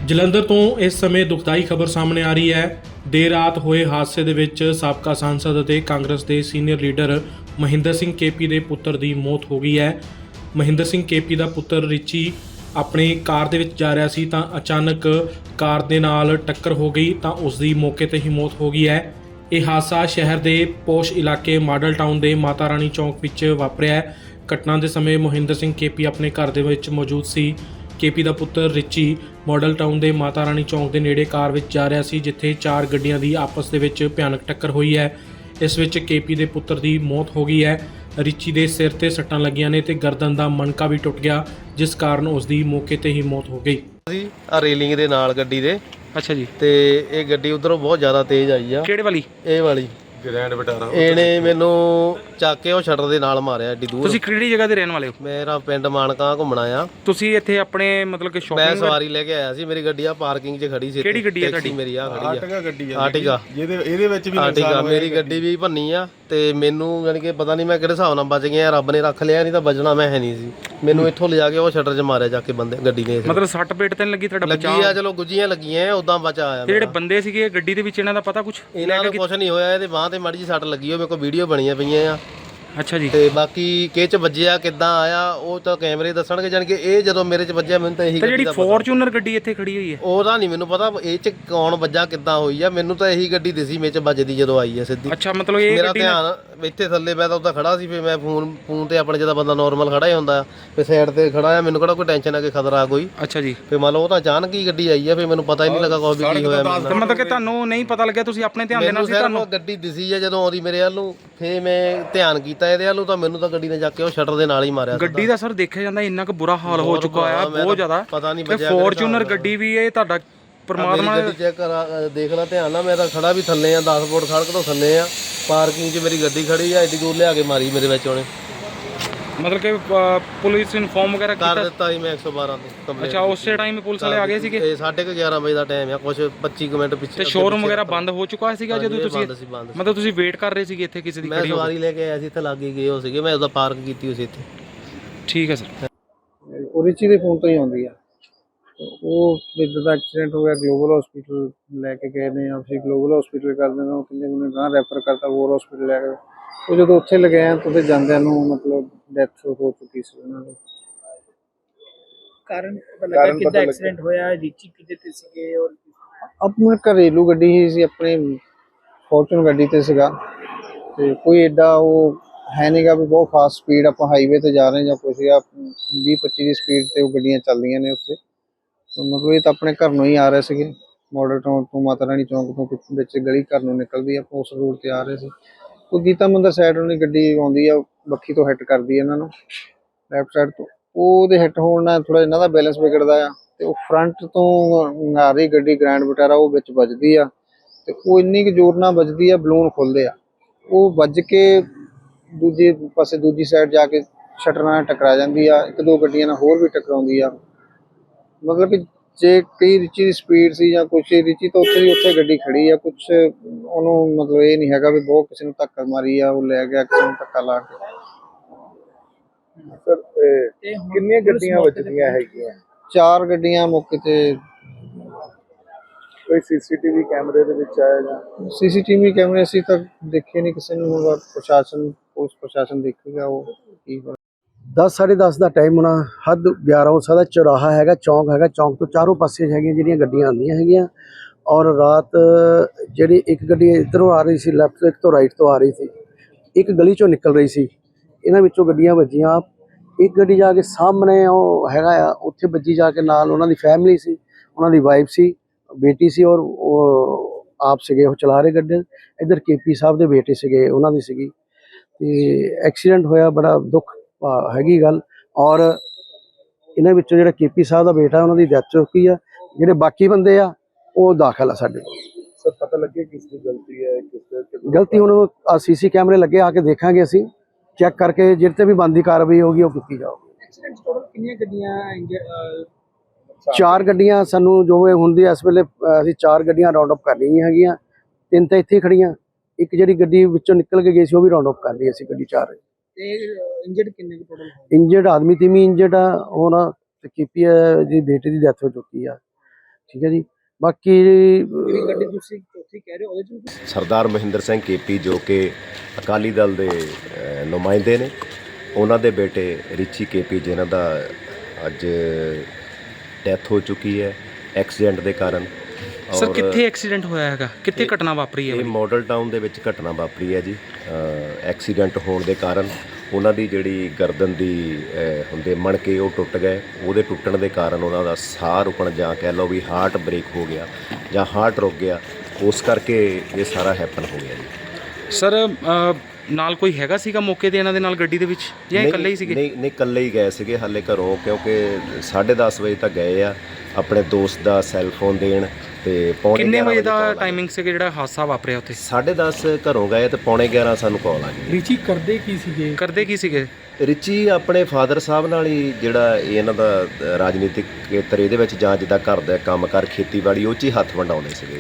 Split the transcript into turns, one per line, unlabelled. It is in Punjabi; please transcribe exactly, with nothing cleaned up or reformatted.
ਜਲੰਧਰ ਤੋਂ ਇਸ ਸਮੇਂ ਦੁਖਦਾਈ ਖਬਰ ਸਾਹਮਣੇ ਆ ਰਹੀ ਹੈ। ਦੇਰ ਰਾਤ ਹੋਏ ਹਾਦਸੇ ਦੇ ਵਿੱਚ ਸਾਬਕਾ ਸਾਂਸਦ ਅਤੇ ਕਾਂਗਰਸ ਦੇ senior leader Mahinder Singh KP ਦੇ ਪੁੱਤਰ ਦੀ ਮੌਤ ਹੋ ਗਈ ਹੈ। ਮਹਿੰਦਰ ਸਿੰਘ ਕੇਪੀ ਦਾ ਪੁੱਤਰ ਰਿਚੀ ਆਪਣੀ ਕਾਰ ਦੇ ਵਿੱਚ ਜਾ ਰਿਹਾ ਸੀ ਤਾਂ ਅਚਾਨਕ ਕਾਰ ਦੇ ਨਾਲ ਟੱਕਰ ਹੋ ਗਈ ਤਾਂ ਉਸ ਦੀ ਮੌਕੇ ਤੇ ਹੀ ਮੌਤ ਹੋ ਗਈ ਹੈ। ਇਹ ਹਾਦਸਾ ਸ਼ਹਿਰ ਦੇ ਪੋਸ਼ ਇਲਾਕੇ ਮਾਡਲ ਟਾਊਨ ਦੇ ਮਾਤਾ ਰਾਣੀ ਚੌਂਕ ਵਿੱਚ ਵਾਪਰਿਆ ਹੈ। ਘਟਨਾ ਦੇ ਸਮੇਂ ਮਹਿੰਦਰ ਸਿੰਘ ਕੇਪੀ ਆਪਣੇ ਘਰ ਦੇ ਵਿੱਚ ਮੌਜੂਦ ਸੀ। ਕੇਪੀ ਦਾ ਪੁੱਤਰ ਰਿਚੀ ਮਾਡਲ ਟਾਊਨ ਦੇ ਮਾਤਾ ਰਾਣੀ ਚੌਂਕ ਦੇ ਨੇੜੇ ਕਾਰ ਵਿੱਚ ਜਾ ਰਿਹਾ ਸੀ, ਜਿੱਥੇ ਚਾਰ ਗੱਡੀਆਂ ਦੀ ਆਪਸ ਦੇ ਵਿੱਚ ਭਿਆਨਕ ਟੱਕਰ ਹੋਈ ਹੈ। ਇਸ ਵਿੱਚ ਕੇਪੀ ਦੇ ਪੁੱਤਰ ਦੀ ਮੌਤ ਹੋ ਗਈ ਹੈ। ਰਿਚੀ ਦੇ ਸਿਰ ਤੇ ਸੱਟਾਂ ਲੱਗੀਆਂ ਨੇ ਤੇ ਗਰਦਨ ਦਾ ਮਣਕਾ ਵੀ ਟੁੱਟ ਗਿਆ, ਜਿਸ ਕਾਰਨ ਉਸ ਦੀ ਮੌਕੇ ਤੇ ਹੀ ਮੌਤ ਹੋ ਗਈ।
ਸੀ ਆ ਰੇਲਿੰਗ ਦੇ ਨਾਲ ਗੱਡੀ ਦੇ।
ਅੱਛਾ ਜੀ।
ਤੇ ਇਹ ਗੱਡੀ ਉਧਰੋਂ ਬਹੁਤ ਜ਼ਿਆਦਾ ਤੇਜ਼ ਆਈ ਆ।
ਕਿਹੜੇ ਵਾਲੀ?
ਇਹ ਵਾਲੀ
ਗ੍ਰੈਂਡ ਵਿਟਾਰਾ।
ਇਹਨੇ ਮੈਨੂੰ ਚੱਕ ਕੇ ਉਹ ਸ਼ਟਰ ਦੇ ਨਾਲ ਮਾਰਿਆ ਏਡੀ ਦੂਰ।
ਤੁਸੀਂ ਕਿਹੜੀ ਜਗ੍ਹਾ ਦੇ ਰਹਿਣ ਵਾਲੇ ਹੋ?
ਮੇਰਾ ਪਿੰਡ ਮਾਨਕਾ ਘੁੰਮਣਾ ਆ।
ਤੁਸੀਂ ਇੱਥੇ ਆਪਣੇ ਮਤਲਬ ਕਿ
ਮੈਂ
ਸ਼ਾਪਿੰਗ
ਸਵਾਰੀ ਲੈ ਕੇ ਆਇਆ ਸੀ। ਮੇਰੀ ਗੱਡੀ ਆ ਪਾਰਕਿੰਗ 'ਚ ਖੜੀ ਸੀ।
ਕਿਹੜੀ ਗੱਡੀ ਆ ਤੁਹਾਡੀ?
ਮੇਰੀ ਆ ਖੜੀ ਆ
ਆਰਟਿਗਾ ਗੱਡੀ ਆ।
ਆਰਟਿਗਾ
ਜਿਹਦੇ ਇਹਦੇ ਵਿੱਚ ਵੀ
ਆਰਟਿਗਾ ਮੇਰੀ ਗੱਡੀ ਵੀ ਭੰਨੀ ਆ ਤੇ ਮੈਨੂੰ ਯਾਨੀ ਕਿ ਪਤਾ ਨਹੀਂ ਮੈਂ ਕਿਹੜੇ ਹਿਸਾਬ ਨਾਲ ਬਚ ਗਿਆ। ਰੱਬ ਨੇ ਰੱਖ ਲਿਆ, ਨਹੀਂ ਤਾਂ ਬਚਣਾ ਮੈਂ ਹੈ ਨਹੀਂ ਸੀ। ਮੈਨੂੰ ਇੱਥੋਂ ਲਿਜਾ ਕੇ ਉਹ ਸ਼ਟਰ 'ਚ ਮਾਰਿਆ ਜਾ ਕੇ ਬੰਦੇ ਗੱਡੀ ਨੇ।
ਮਤਲਬ ਸੱਟ ਪੇਟ ਤੇ ਨਹੀਂ ਲੱਗੀ ਤੁਹਾਡਾ?
ਲੱਗੀ ਆ, ਚਲੋ ਗੁੱਜੀਆਂ ਲੱਗੀਆਂ, ਉਦਾਂ ਬਚਾ ਆਇਆ।
ਜਿਹੜੇ ਬੰਦੇ ਸੀਗੇ ਗੱਡੀ ਦੇ ਵਿੱਚ ਇਹਨਾਂ ਦਾ ਪਤਾ ਕੁਝ?
ਇਹਨਾਂ ਨੂੰ ਕੁਝ ਨਹੀਂ ਹੋਇਆ। ਇਹਦੇ ਬਾਂਹ ਤੇ ਮਾੜੀ ਜਿਹੀ ਸੱਟ ਲੱਗੀ ਹੋਈ। ਮੇਰੇ ਕੋਲ ਵੀਡੀਓ ਬਣੀਆਂ ਪਈਆਂ ਆ।
ਅੱਛਾ ਜੀ।
ਤੇ ਬਾਕੀ ਕਿਹ ਚ ਵੱਜਿਆ ਕਿੱਦਾਂ ਆਇਆ ਉਹ ਤਾਂ ਕੈਮਰੇ ਦੱਸਣਗੇ। ਜਾਨ ਕਿ ਇਹ ਜਦੋਂ ਮੇਰੇ ਚ ਵੱਜਿਆ ਮੈਨੂੰ ਤਾਂ ਇਹੀ
ਜਿਹੜੀ ਫੋਰਚੂਨਰ ਗੱਡੀ ਇੱਥੇ ਖੜੀ ਹੋਈ ਹੈ
ਉਹਦਾ ਨਹੀਂ ਮੈਨੂੰ ਪਤਾ ਇਹ ਚ ਕੌਣ ਵੱਜਾ ਕਿੱਦਾਂ ਹੋਈ ਆ। ਮੈਨੂੰ ਤਾਂ ਇਹੀ ਗੱਡੀ ਦਿਸੀ ਮੇਰੇ ਚ ਵੱਜਦੀ ਜਦੋਂ ਆਈ ਆ ਸਿੱਧੀ।
ਅੱਛਾ, ਮਤਲਬ ਇਹ
ਮੇਰਾ ਧਿਆਨ ਇੱਥੇ ਥੱਲੇ, ਮੈਂ ਤਾਂ ਉੱਦਾਂ ਖੜਾ ਸੀ। ਫਿਰ ਮੈਂ ਫੋਨ ਫੋਨ ਤੇ ਆਪਣੇ ਜਦੋਂ ਬੰਦਾ ਨੋਰਮਲ ਖੜਾ ਹੀ ਹੁੰਦਾ ਫਿਰ ਸਾਈਡ ਤੇ ਖੜਾ ਆ। ਮੈਨੂੰ ਕਿਹੜਾ ਕੋਈ ਟੈਨਸ਼ਨ ਆ ਕਿ ਖਤਰਾ ਕੋਈ।
ਅੱਛਾ ਜੀ।
ਫਿਰ ਮੰਨ ਲਓ ਉਹ ਤਾਂ ਅਚਾਨਕ ਹੀ ਗੱਡੀ ਆਈ ਆ। ਫਿਰ ਮੈਨੂੰ ਪਤਾ ਹੀ ਨਹੀਂ ਲੱਗਾ ਕੋਈ ਵੀ ਕੀ ਹੋਇਆ।
ਮਤਲਬ ਕਿ ਤੁਹਾਨੂੰ ਨਹੀਂ ਪਤਾ ਲੱਗਿਆ, ਤੁਸੀਂ ਆਪਣੇ ਧਿਆਨ ਦੇ ਨਾਲ ਸੀ? ਤੁਹਾਨੂੰ
ਗੱਡੀ ਦਿਸੀ ਆ ਜਦੋਂ ਆਉਂਦੀ ਮੇਰੇ ਵੱਲ ਨੂੰ, ਫਿਰ ਮੈਂ ਧਿਆਨ ਕੀਤਾ ਇਹਦੇ ਵੱਲ ਨੂੰ ਤਾਂ ਮੈਨੂੰ ਤਾਂ ਗੱਡੀ ਨੇ ਜਾ ਕੇ ਉਹ ਸ਼ਟਰ ਦੇ ਨਾਲ ਹੀ ਮਾਰਿਆ।
ਗੱਡੀ ਦਾ ਸਰ ਦੇਖਿਆ ਜਾਂਦਾ ਇੰਨਾ ਕੁ ਬੁਰਾ ਹਾਲ ਹੋ ਚੁੱਕਾ ਆ, ਬਹੁਤ ਜ਼ਿਆਦਾ।
ਪਤਾ ਨਹੀਂ
ਬਚਿਆ ਫੋਰਚੂਨਰ ਗੱਡੀ ਵੀ ਇਹ ਤੁਹਾਡਾ ਪਰਮਾਤਮਾ
ਗੱਡੀ ਚੈੱਕ ਕਰਾ ਦੇਖ ਲੈ ਧਿਆਨ ਨਾਲ। ਮੈਂ ਤਾਂ ਖੜਾ ਵੀ ਥੱਲੇ ਆ, ਦਸ ਫੁੱਟ ਸੜਕ ਤੋਂ ਥੱਲੇ ਆ। ਪਾਰਕਿੰਗ 'ਚ ਮੇਰੀ ਗੱਡੀ ਖੜੀ ਆ, ਐਡੀ ਦੂਰ ਲਿਆ ਕੇ ਮਾਰੀ ਮੇਰੇ ਵਿੱਚ ਉਹਨੇ।
ਮਤਲਬ ਕਿ ਪੁਲਿਸ ਇਨਫੋਰਮ ਵਗੈਰਾ
ਕਰ ਦਿੱਤਾ ਸੀ ਮੈਂ ਇੱਕ ਸੌ ਬਾਰਾਂ ਤੇ ਕੰਪਲੇਂਟ।
ਅੱਛਾ, ਉਸੇ ਟਾਈਮ ਪੁਲਿਸ ਵਾਲੇ ਆ ਗਏ ਸੀਗੇ?
ਇਹ ਸਾਢੇ ਕੁ ਗਿਆਰਾਂ ਵਜੇ ਦਾ ਟਾਈਮ ਆ, ਕੁਛ ਪੱਚੀ ਕੁ ਮਿੰਟ ਪਿੱਛੇ।
ਤੇ ਸ਼ੋਰੂਮ ਵਗੈਰਾ ਬੰਦ ਹੋ ਚੁੱਕਾ ਸੀਗਾ ਜਦੋਂ ਤੁਸੀਂ? ਮਤਲਬ ਤੁਸੀਂ ਵੇਟ ਕਰ ਰਹੇ ਸੀਗੇ ਇੱਥੇ ਕਿਸੇ ਦੀ?
ਮੈਂ ਸਵਾਰੀ ਲੈ ਕੇ ਆਇਆ ਸੀ, ਇੱਥੇ ਲਾਗੇ ਗਏ ਹੋ ਸੀਗੇ। ਮੈਂ ਉਹਦਾ ਪਾਰਕ ਕੀਤੀ ਹੋਈ ਸੀ ਇੱਥੇ।
ਠੀਕ ਹੈ ਸਰ।
ਉਹ ਰਿਚੀ ਦੇ ਫੋਨ ਤੋਂ ਹੀ ਆਉਂਦੀ ਆ। ਉਹ ਜਿੱਦਾਂ ਦਾ ਐਕਸੀਡੈਂਟ ਹੋ ਗਿਆ, ਗਲੋਬਲ ਹਸਪੀਟਲ ਲੈ ਕੇ ਗਏ ਨੇ। ਅਸੀਂ ਗਲੋਬਲ ਹਸਪੀਟਲ ਕਰ ਦਿੰਦੇ, ਉਹ ਕਹਿੰਦੇ ਮੈਨੂੰ ਗਾਂ ਰੈਫਰ ਕਰਤਾ ਹੋਰ ਹਸਪੀਟਲ ਲੈ ਕੇ। ਉਹ ਜਦੋਂ ਉੱਥੇ ਲਗਾਏ ਤਾਂ ਉੱਥੇ ਜਾਂਦਿਆਂ ਨੂੰ ਮਤਲਬ ਡੈਥ ਹੋ ਚੁੱਕੀ ਸੀ ਉਹਨਾਂ ਦੀ।
ਕਾਰਨ ਪਤਾ ਲੱਗਾ ਕਿੱਦਾਂ ਐਕਸੀਡੈਂਟ ਹੋਇਆ? ਰਿਚੀ ਕਿਹਦੇ ਤੇ ਸੀਗੇ? ਔਰ
ਆਪਣੀ ਘਰੇਲੂ ਗੱਡੀ ਹੀ ਸੀ, ਆਪਣੀ ਫੋਰਚੂਨ ਗੱਡੀ ਤੇ ਸੀਗਾ। ਤੇ ਕੋਈ ਐਡਾ ਉਹ ਹੈ ਨਹੀਂਗਾ ਵੀ ਬਹੁਤ ਫਾਸਟ ਸਪੀਡ ਆਪਾਂ ਹਾਈਵੇ ਤੇ ਜਾ ਰਹੇ ਜਾਂ ਕੁਛ ਸੀਗਾ। ਵੀਹ ਪੱਚੀ ਦੀ ਸਪੀਡ ਤੇ ਉਹ ਗੱਡੀਆਂ ਚੱਲਦੀਆਂ ਨੇ ਉੱਥੇ। ਮਤਲਬ ਇਹ ਤਾਂ ਆਪਣੇ ਘਰ ਨੂੰ ਹੀ ਆ ਰਹੇ ਸੀਗੇ, ਮਾਡਲ ਟਾਊਨ ਤੋਂ ਮਾਤਾ ਰਾਣੀ ਚੌਂਕ ਤੋਂ ਵਿੱਚ ਗਲੀ ਘਰ ਨੂੰ ਨਿਕਲਦੀ ਆ, ਉਸ ਰੋਡ ਤੇ ਆ ਰਹੇ ਸੀ। ਉਹ ਗੀਤਾ ਮੰਦਰ ਸਾਈਡ ਨੂੰ ਗੱਡੀ ਆਉਂਦੀ ਆ, ਬੱਖੀ ਤੋਂ ਹਿੱਟ ਕਰਦੀ ਆ ਇਹਨਾਂ ਨੂੰ ਲੈਫਟ ਸਾਈਡ ਤੋਂ। ਉਹਦੇ ਹਿੱਟ ਹੋਣ ਨਾਲ ਥੋੜਾ ਇਹਨਾਂ ਦਾ ਬੈਲੈਂਸ ਵਿਗੜਦਾ ਆ ਤੇ ਉਹ ਫਰੰਟ ਤੋਂ ਆ ਰਹੀ ਗੱਡੀ ਗ੍ਰੈਂਡ ਵਿਟਾਰਾ ਉਹ ਵਿੱਚ ਵੱਜਦੀ ਆ। ਤੇ ਉਹ ਇੰਨੀ ਕੁ ਜ਼ੋਰ ਨਾਲ ਵੱਜਦੀ ਆ, ਬਲੂਨ ਖੁੱਲਦੇ ਆ। ਉਹ ਵੱਜ ਕੇ ਦੂਜੇ ਪਾਸੇ ਦੂਜੀ ਸਾਈਡ ਜਾ ਕੇ ਸ਼ਟਰ ਨਾਲ ਟਕਰਾ ਜਾਂਦੀ ਆ। ਇੱਕ ਦੋ ਗੱਡੀਆਂ ਨਾਲ ਹੋਰ ਵੀ ਟਕਰਾਉਂਦੀ ਆ। ਮਤਲਬ ਕਿ ਜੇ ਕਈ ਰਿਚੀ ਦੀ ਸਪੀਡ ਸੀ ਜਾਂ ਕੁਛ, ਰਿਚੀ ਤਾਂ ਉੱਥੇ ਦੀ ਉੱਥੇ ਗੱਡੀ ਖੜੀ ਆ। ਕੁਛ ਉਹਨੂੰ ਮਤਲਬ ਇਹ ਨਹੀਂ ਹੈਗਾ ਵੀ ਬਹੁਤ ਕਿਸੇ ਨੂੰ ਧੱਕਾ ਮਾਰੀ ਆ, ਉਹ ਲੈ ਗਿਆ ਕਿਸੇ ਨੂੰ ਧੱਕਾ ਲਾ ਕੇ।
ਸਰ ਕਿੰਨੀਆਂ ਗੱਡੀਆਂ ਵੱਜਦੀਆਂ ਹੈਗੀਆਂ?
ਚਾਰ ਗੱਡੀਆਂ ਮੌਕੇ ਤੇ।
ਕੋਈ ਸੀਸੀਟੀਵੀ ਕੈਮਰੇ ਦੇ ਵਿੱਚ ਆਇਆ ਜਾਂ?
ਸੀਸੀਟੀਵੀ ਕੈਮਰੇ ਅਸੀਂ ਤਾਂ ਦੇਖੇ ਨਹੀਂ ਕਿਸੇ ਨੂੰ। ਪ੍ਰਸ਼ਾਸਨ ਪੁਲਿਸ ਪ੍ਰਸ਼ਾਸਨ ਦੇਖੇਗਾ ਉਹ ਕੀ।
ਦਸ ਸਾਢੇ ਦਸ ਦਾ ਟਾਈਮ ਹੋਣਾ, ਹੱਦ ਗਿਆਰਾਂ ਹੋ ਸਕਦਾ। ਚੌਰਾਹਾ ਹੈਗਾ, ਚੌਂਕ ਹੈਗਾ, ਚੌਂਕ ਤੋਂ ਚਾਰੋਂ ਪਾਸੇ ਹੈਗੀਆਂ ਜਿਹੜੀਆਂ ਗੱਡੀਆਂ ਆਉਂਦੀਆਂ ਹੈਗੀਆਂ। ਔਰ ਰਾਤ ਜਿਹੜੀ ਇੱਕ ਗੱਡੀ ਇੱਧਰੋਂ ਆ ਰਹੀ ਸੀ ਲੈਫਟ ਤੋਂ, ਇੱਕ ਤੋਂ ਰਾਈਟ ਤੋਂ ਆ ਰਹੀ ਸੀ, ਇੱਕ ਗਲੀ ਚੋਂ ਨਿਕਲ ਰਹੀ ਸੀ। ਇਹਨਾਂ ਵਿੱਚੋਂ ਗੱਡੀਆਂ ਵੱਜੀਆਂ। ਇੱਕ ਗੱਡੀ ਜਾ ਕੇ ਸਾਹਮਣੇ ਉਹ ਹੈਗਾ ਆ, ਉੱਥੇ ਵੱਜੀ ਜਾ ਕੇ। ਨਾਲ ਉਹਨਾਂ ਦੀ ਫੈਮਿਲੀ ਸੀ, ਉਹਨਾਂ ਦੀ ਵਾਈਫ ਸੀ, ਬੇਟੀ ਸੀ, ਔਰ ਉਹ ਆਪ ਸੀਗੇ ਉਹ ਚਲਾ ਰਹੇ ਗੱਡੀ। ਇੱਧਰ ਕੇਪੀ ਸਾਹਿਬ ਦੇ ਬੇਟੇ ਸੀਗੇ, ਉਹਨਾਂ ਦੀ ਸੀਗੀ। ਤੇ ਐਕਸੀਡੈਂਟ ਹੋਇਆ, ਬੜਾ ਦੁੱਖ ਹੈਗੀ ਗੱਲ। ਔਰ ਇਹਨਾਂ ਵਿੱਚੋਂ ਜਿਹੜਾ ਕੇਪੀ ਸਾਹਿਬ ਦਾ ਬੇਟਾ ਉਹਨਾਂ ਦੀ ਡੈਥ ਹੋ ਚੁੱਕੀ ਆ। ਜਿਹੜੇ ਬਾਕੀ ਬੰਦੇ ਆ ਉਹ ਦਾਖਲ ਆ ਸਾਡੇ ਕੋਲ।
ਸਰ ਪਤਾ ਲੱਗੇ ਕਿਸ ਦੀ ਗਲਤੀ ਹੈ? ਕਿਸ
ਗਲਤੀ ਹੁਣ ਸੀਸੀ ਕੈਮਰੇ ਲੱਗੇ, ਆ ਕੇ ਦੇਖਾਂਗੇ ਅਸੀਂ, ਚੈੱਕ ਕਰਕੇ ਜਿਹੜੇ ਤੇ ਵੀ ਬਣਦੀ ਕਾਰਵਾਈ ਹੋਗੀ ਉਹ ਕੀਤੀ ਜਾਊਗੀ।
ਐਕਸੀਡੈਂਟ ਟੋਟਲ ਕਿੰਨੀਆਂ ਗੱਡੀਆਂ?
ਚਾਰ ਗੱਡੀਆਂ ਸਾਨੂੰ ਜੋ ਹੁੰਦੀ ਇਸ ਵੇਲੇ ਅਸੀਂ ਚਾਰ ਗੱਡੀਆਂ ਰਾਉਂਡ ਅਪ ਕਰ ਲਈਆਂ ਹੈਗੀਆਂ। ਤਿੰਨ ਤਾਂ ਇੱਥੇ ਖੜੀਆਂ, ਇੱਕ ਜਿਹੜੀ ਗੱਡੀ ਵਿੱਚੋਂ ਨਿਕਲ ਕੇ ਗਈ ਸੀ ਉਹ ਵੀ ਰਾਉਂਡ ਅਪ ਕਰ ਲਈ ਅਸੀਂ ਗੱਡੀ ਚਾਰ।
ਤੇ ਇੰਜਰਡ ਕਿੰਨੇ ਕੁ ਟੋਟਲ?
ਇੰਜਰਡ ਆਦਮੀ ਤਿੰਨ ਇੰਜਰਡ ਆ। ਹੁਣ ਤੇ ਕੇਪੀ ਦੀ ਬੇਟੇ ਦੀ ਡੈਥ ਹੋ ਚੁੱਕੀ ਆ। ਠੀਕ ਹੈ ਜੀ। ਬਾਕੀ
ਜਿਹੜੀ ਗੱਡੀ ਤੁਸੀਂ ਚੌਥੀ ਕਹਿ ਰਹੇ ਹੋ ਉਹਦੇ ਚ
ਸਰਦਾਰ ਮਹਿੰਦਰ ਸਿੰਘ ਕੇਪੀ ਜੋ ਕਿ ਅਕਾਲੀ ਦਲ ਦੇ ਅ, ਨੁਮਾਇੰਦੇ ਨੇ, ਉਹਨਾਂ ਦੇ ਬੇਟੇ ਰਿਚੀ ਕੇਪੀ ਜਿਨ੍ਹਾਂ ਦਾ ਅੱਜ ਡੈਥ ਹੋ ਚੁੱਕੀ ਹੈ ਐਕਸੀਡੈਂਟ ਦੇ ਕਾਰਨ।
ਸਰ
ਔਰ
ਕਿੱਥੇ ਐਕਸੀਡੈਂਟ ਹੋਇਆ ਹੈਗਾ, ਕਿੱਥੇ ਘਟਨਾ ਵਾਪਰੀ ਹੈ
ਇਹ
ਵਾਲੀ?
ਮਾਡਲ ਟਾਊਨ ਦੇ ਵਿੱਚ ਘਟਨਾ ਵਾਪਰੀ ਹੈ ਜੀ। ਅ, ਐਕਸੀਡੈਂਟ ਹੋਣ ਦੇ ਕਾਰਨ ਉਹਨਾਂ ਦੀ ਜਿਹੜੀ ਗਰਦਨ ਦੀ ਅ, ਹੁੰਦੇ ਮਣਕੇ ਉਹ ਟੁੱਟ ਗਏ। ਉਹਦੇ ਟੁੱਟਣ ਦੇ ਕਾਰਨ ਉਹਨਾਂ ਦਾ ਸਾਹ ਰੁਕਣ ਜਾਂ ਕਹਿ ਲਓ ਵੀ ਹਾਰਟ ਬ੍ਰੇਕ ਹੋ ਗਿਆ ਜਾਂ ਹਾਰਟ ਰੁਕ ਗਿਆ, ਉਸ ਕਰਕੇ ਇਹ ਸਾਰਾ ਹੈਪਨ ਹੋ ਗਿਆ ਜੀ।
ਸਰ ਅ, ਨਾਲ ਕੋਈ ਹੈਗਾ ਸੀਗਾ ਮੌਕੇ ਤੇ ਇਹਨਾਂ ਦੇ ਨਾਲ ਗੱਡੀ ਦੇ ਵਿੱਚ ਜਾਂ ਇਹ ਇਕੱਲੇ ਹੀ ਸੀਗੇ?
ਨਹੀਂ ਨਹੀਂ ਇਕੱਲੇ ਹੀ ਗਏ ਸੀਗੇ ਹਾਲੇ ਘਰੋਂ, ਕਿਉਂਕਿ ਸਾਢੇ ਦਸ ਵਜੇ ਤੱਕ ਗਏ ਆ ਆਪਣੇ ਦੋਸਤ ਦਾ ਸੈੱਲ ਫੋਨ ਦੇਣ, ਤੇ ਪੌਣੇ
ਕਿੰਨੇ
ਗਿਆਰਾਂ
ਵਜੇ ਦਾ
call ਆ ਗਈ।
ਟਾਈਮਿੰਗ ਸੀਗਾ ਜਿਹੜਾ ਹਾਦਸਾ ਵਾਪਰਿਆ ਉੱਥੇ?
ਸਾਢੇ ਦਸ ਘਰੋਂ ਗਏ ਤੇ ਪੌਣੇ ਗਿਆਰਾਂ ਸਾਨੂੰ ਕਾਲ ਆ ਗਈ।
ਰੀਚੀ ਕਰਦੇ ਕੀ ਸੀਗੇ?
ਕਰਦੇ ਕੀ ਸੀਗੇ?
ਰਿਚੀ ਆਪਣੇ ਫਾਦਰ ਸਾਹਿਬ ਨਾਲ ਹੀ ਜਿਹੜਾ ਇਹ ਇਹਨਾਂ ਦਾ ਰਾਜਨੀਤਿਕ ਖੇਤਰ ਇਹਦੇ ਵਿੱਚ ਜਾਂ ਜਿੱਦਾਂ ਘਰ ਦਾ ਕੰਮ ਕਰ ਖੇਤੀਬਾੜੀ ਉਹ 'ਚ ਹੀ ਹੱਥ ਵੰਡਾਉਂਦੇ ਸੀਗੇ।